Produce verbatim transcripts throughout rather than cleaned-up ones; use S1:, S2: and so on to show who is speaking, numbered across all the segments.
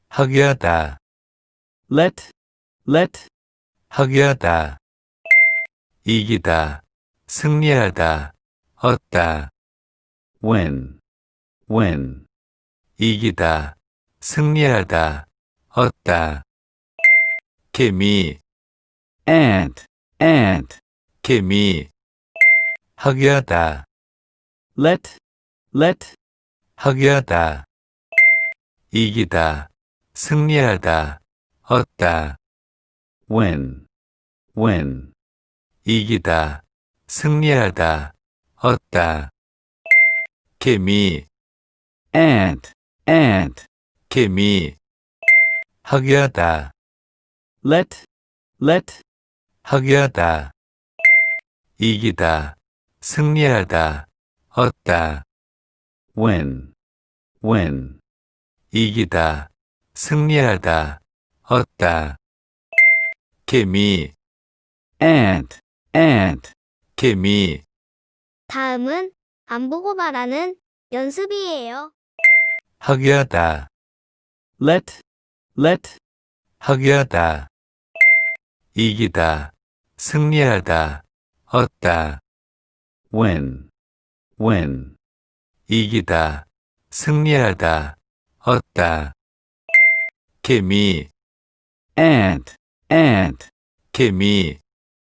S1: 하게 하다,
S2: let, let,
S1: 하게 하다. 이기다, 승리하다, 얻다.
S2: win, win,
S1: 이기다, 승리하다, 얻다. 개미,
S2: ant, ant,
S1: 개미. 하게 하다,
S2: let, let,
S1: 하게 하다. 이기다, 승리하다, 얻다.
S2: win, win,
S1: 이기다, 승리하다, 얻다. 개미,
S2: ant, ant,
S1: 개미. 하게 하다,
S2: let, let,
S1: 하게 하다. 이기다, 승리하다, 얻다.
S2: win, win,
S1: 이기다, 승리하다, 얻다. 개미,
S2: ant, ant.
S1: 개미.
S3: 다음은 안 보고 말하는 연습이에요.
S1: 하게 하다,
S2: let, let,
S1: 하게 하다. 이기다, 승리하다, 얻다.
S2: win, win,
S1: 이기다, 승리하다, 얻다. 개미,
S2: ant, ant.
S1: 개미.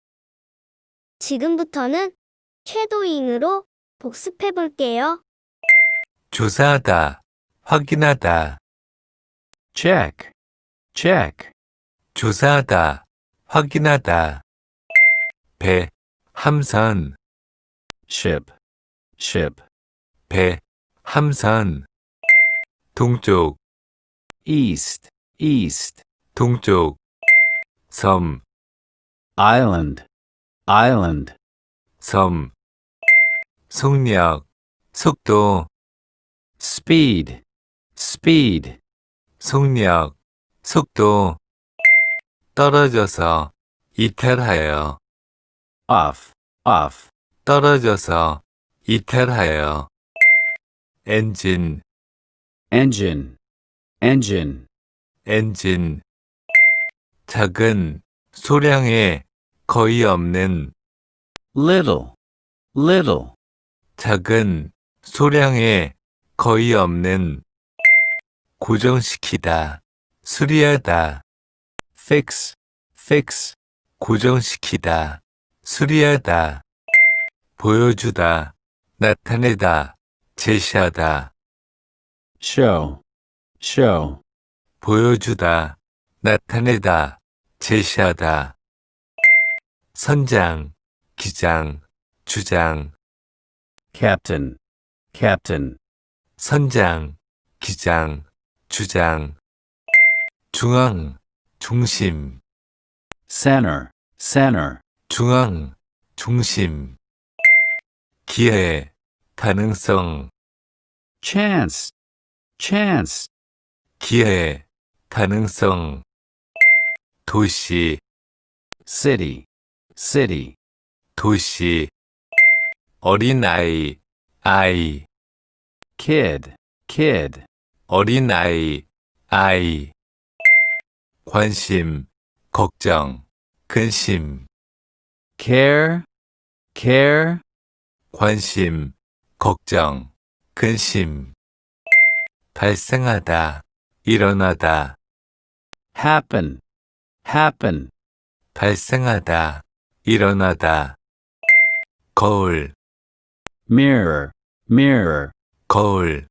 S3: 지금부터는 쉐도잉으로 복습해 볼게요.
S1: 조사하다, 확인하다.
S2: check, check,
S1: 조사하다, 확인하다. 배, 함선.
S2: ship, ship,
S1: 배, 함선. 동쪽,
S2: east, east,
S1: 동쪽. 섬,
S2: island, island,
S1: 섬. 속력, 속도.
S2: speed, speed,
S1: 속력, 속도. 떨어져서, 이탈하여.
S2: off, off,
S1: 떨어져서, 이탈하여. 엔진,
S2: engine, engine,
S1: 엔진. 작은, 소량의, 거의 없는.
S2: little, little,
S1: 작은, 소량의, 거의 없는. 고정시키다, 수리하다.
S2: fix, fix,
S1: 고정시키다, 수리하다. 보여주다, 나타내다, 제시하다.
S2: show, show,
S1: 보여주다, 나타내다, 제시하다. 선장, 기장, 주장.
S2: captain, captain,
S1: 선장, 기장, 주장. 중앙, 중심.
S2: center, center,
S1: 중앙, 중심. 기회, 가능성.
S2: chance, chance,
S1: 기회, 가능성. 도시,
S2: city, city,
S1: 도시. 어린아이, 아이.
S2: kid, kid,
S1: 어린아이, 아이. 관심, 걱정, 근심.
S2: care, care,
S1: 관심, 걱정, 근심. 발생하다, 일어나다.
S2: happen, happen,
S1: 발생하다, 일어나다. 거울,
S2: mirror, mirror,
S1: 거울.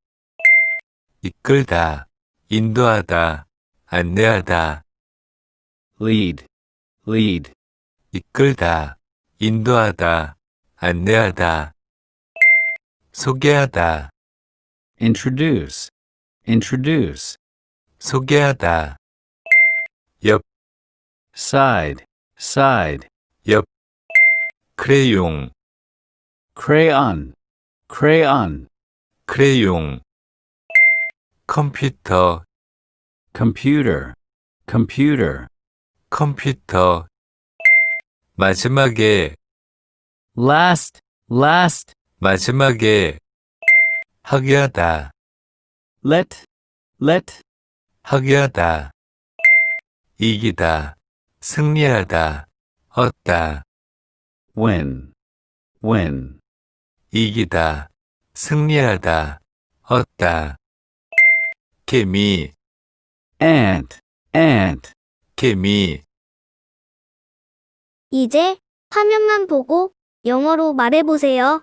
S1: 이끌다, 인도하다, 안내하다.
S2: lead, lead,
S1: 이끌다, 인도하다, 안내하다. 소개하다,
S2: introduce, introduce,
S1: 소개하다. 옆,
S2: side, side,
S1: 옆. 크레용,
S2: crayon, crayon,
S1: 크레용. 컴퓨터,
S2: computer, computer,
S1: 컴퓨터. 마지막에,
S2: last, last,
S1: 마지막에. 하게 하다,
S2: let, let,
S1: 하게하다, 이기다, 승리하다, 얻다,
S2: win, win.
S1: 이기다, 승리하다, 얻다. 개미,
S2: Ant, ant.
S1: 개미,
S3: 이제 화면만 보고 영어로 말해보세요.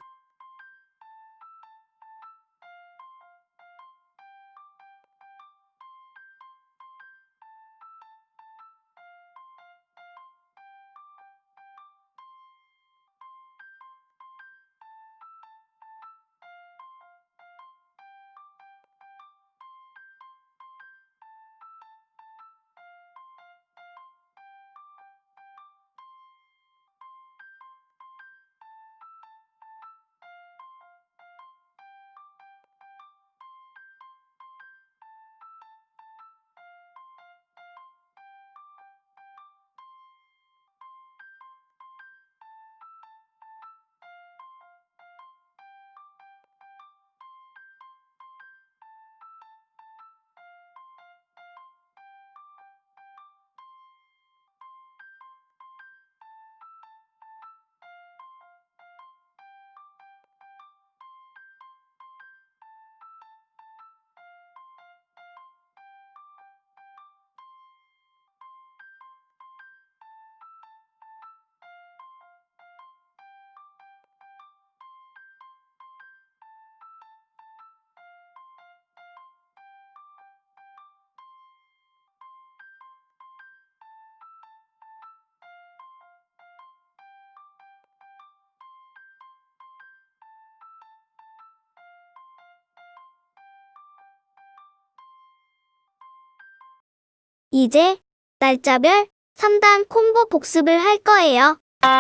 S3: 이제 날짜별 삼 단 콤보 복습을 할 거예요.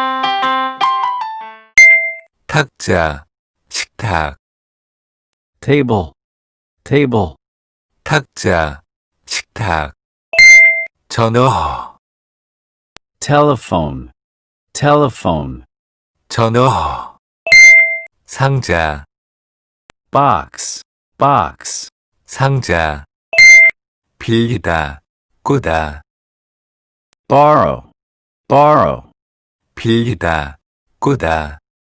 S1: 탁자, 식탁,
S2: Table, table.
S1: 탁자, 식탁. 전어,
S2: Telephone, telephone.
S1: 전어. 상자,
S2: Box, box.
S1: 상자. 빌리다, 꾸다,
S2: Borrow, borrow.
S1: 빌리다, 꾸다.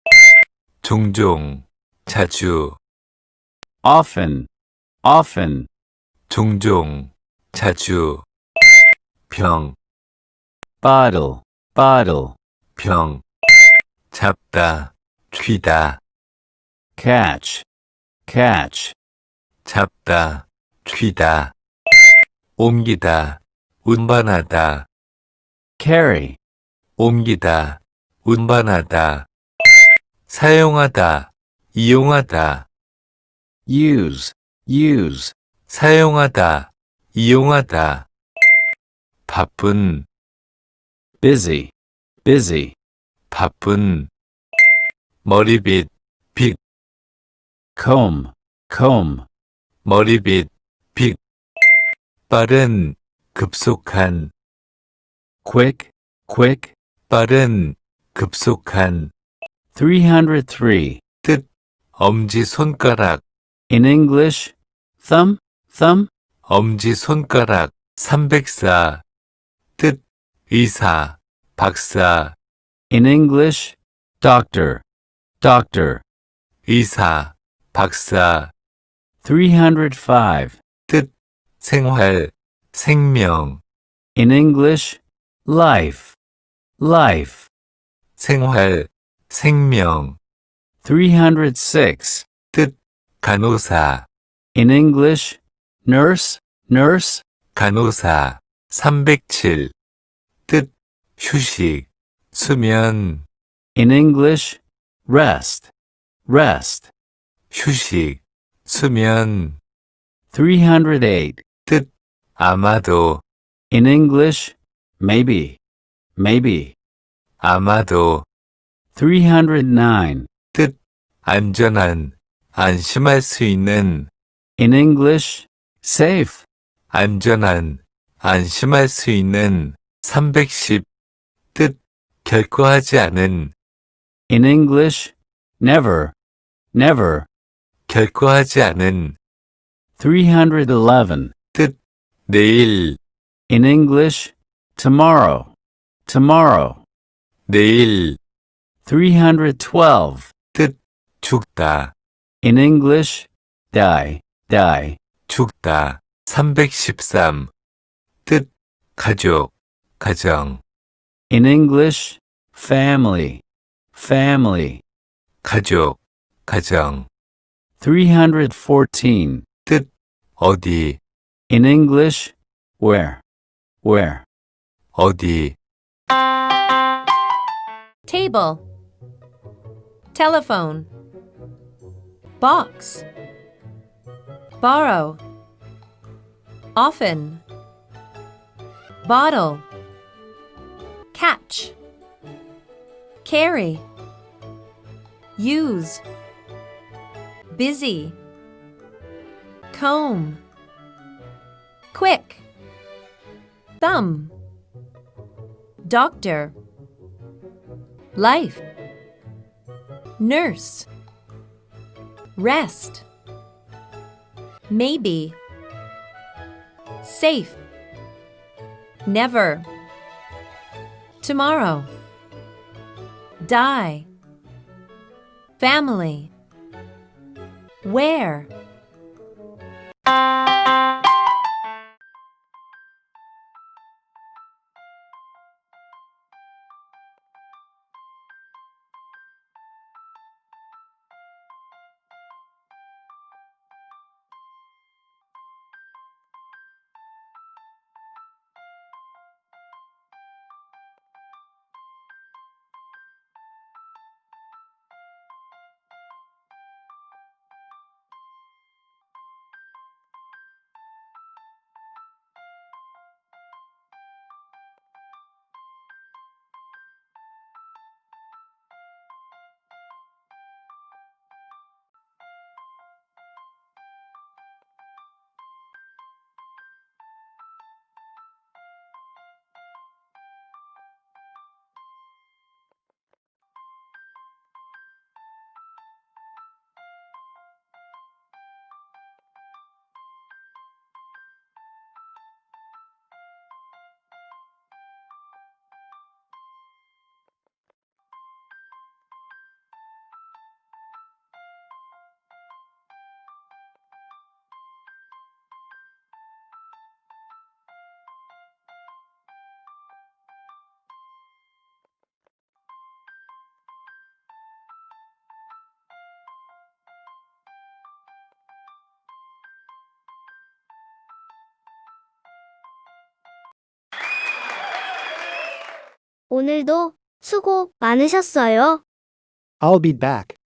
S1: 종종, 자주,
S2: Often, often.
S1: 종종, 자주. 병,
S2: Bottle, bottle.
S1: 병. 잡다, 쥐다,
S2: Catch, catch.
S1: 잡다, 쥐다. 옮기다, 운반하다,
S2: Carry,
S1: 옮기다, 운반하다. 사용하다, 이용하다,
S2: use, use.
S1: 사용하다, 이용하다. 바쁜,
S2: Busy, busy.
S1: 바쁜. 머리빗, 빗,
S2: Comb, comb.
S1: 머리빗, 빗. 빠른, 급속한,
S2: Quick, quick.
S1: 빠른, 급속한.
S2: three hundred three.
S1: 뜻, 엄지손가락,
S2: In English, thumb, thumb.
S1: 엄지손가락. 삼백사. 뜻, 의사, 박사,
S2: In English, doctor, doctor.
S1: 의사, 박사.
S2: three hundred five.
S1: 뜻, 생활, 생명,
S2: In English, life, life.
S1: 생활, 생명.
S2: three hundred six.
S1: 뜻, 간호사,
S2: In English, nurse, nurse.
S1: 간호사. 삼백칠. 뜻, 휴식, 수면,
S2: In English, rest, rest.
S1: 휴식, 수면.
S2: three hundred eight.
S1: 뜻, 아마도,
S2: In English, maybe, maybe.
S1: 아마도.
S2: three hundred nine.
S1: 뜻, 안전한, 안심할 수 있는,
S2: In English, safe.
S1: 안전한, 안심할 수 있는. 삼백십. 뜻, 결코 하지 않은,
S2: In English, never, never.
S1: 결코 하지 않은.
S2: three hundred eleven.
S1: 뜻, 내일,
S2: In English, tomorrow, tomorrow.
S1: 내일,
S2: three hundred twelve.
S1: 뜻, 죽다,
S2: In English, die, die.
S1: 죽다. 삼백십삼. 뜻, 가족, 가정,
S2: In English, family, family.
S1: 가족, 가정.
S2: three hundred fourteen.
S1: 뜻, 어디,
S2: In English, where, where.
S1: 어디.
S4: Table. Telephone. Box. Borrow. Often. Bottle. Catch. Carry. Use. Busy. Comb. Quick. Thumb. Doctor. Life. Nurse. Rest. Maybe. Safe. Never. Tomorrow. Die. Family. Where?
S3: 오늘도 수고 많으셨어요.
S5: I'll be back.